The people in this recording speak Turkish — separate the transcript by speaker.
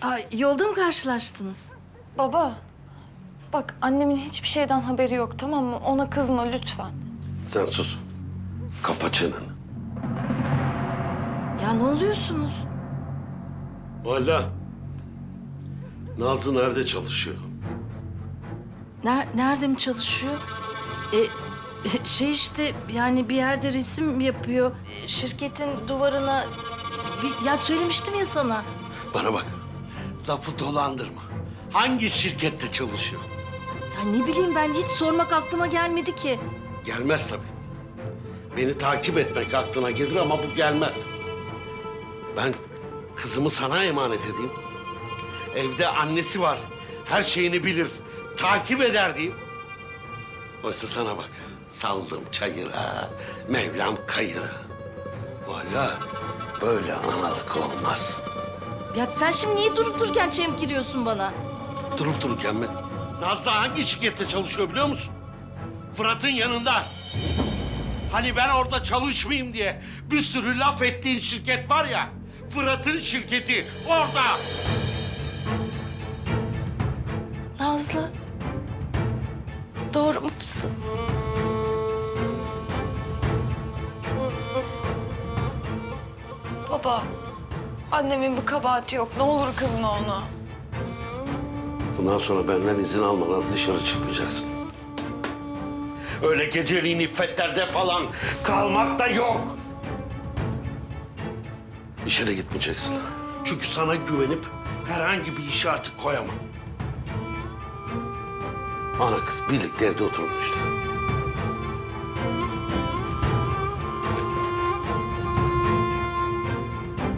Speaker 1: Yolda mı karşılaştınız?
Speaker 2: Baba, bak annemin hiçbir şeyden haberi yok, tamam mı? Ona kızma lütfen.
Speaker 3: Sen sus. Kapa çeneni.
Speaker 1: Ya ne oluyorsunuz?
Speaker 3: Valla. Nazlı nerede çalışıyor?
Speaker 1: Nerede mi çalışıyor? Şey işte yani bir yerde resim yapıyor. Şirketin duvarına... Ya söylemiştim ya sana.
Speaker 3: Bana bak. Lafı dolandırma. Hangi şirkette çalışıyor?
Speaker 1: Ya ne bileyim ben hiç sormak aklıma gelmedi ki.
Speaker 3: Gelmez tabii. Beni takip etmek aklına gelir ama bu gelmez. Ben kızımı sana emanet edeyim. Evde annesi var. Her şeyini bilir. Takip eder diyeyim. Oysa sana bak. Saldım çayıra, Mevlam kayıra. Valla böyle analık olmaz.
Speaker 1: Ya sen şimdi niye durup dururken çemkiriyorsun bana?
Speaker 3: Durup dururken mi? Nazlı hangi şirkette çalışıyor biliyor musun? Fırat'ın yanında. Hani ben orada çalışmayayım diye bir sürü laf ettiğin şirket var ya. Fırat'ın şirketi orada.
Speaker 1: Nazlı. Doğru mu kızım?
Speaker 2: Baba, annemin bir kabahati yok. Ne olur kızma ona.
Speaker 3: Bundan sonra benden izin almadan dışarı çıkmayacaksın. Öyle geceliğin iffetlerde falan kalmak da yok. İşe de gitmeyeceksin. Çünkü sana güvenip herhangi bir işe artık koyamam. Ana kız birlikte evde oturun işte.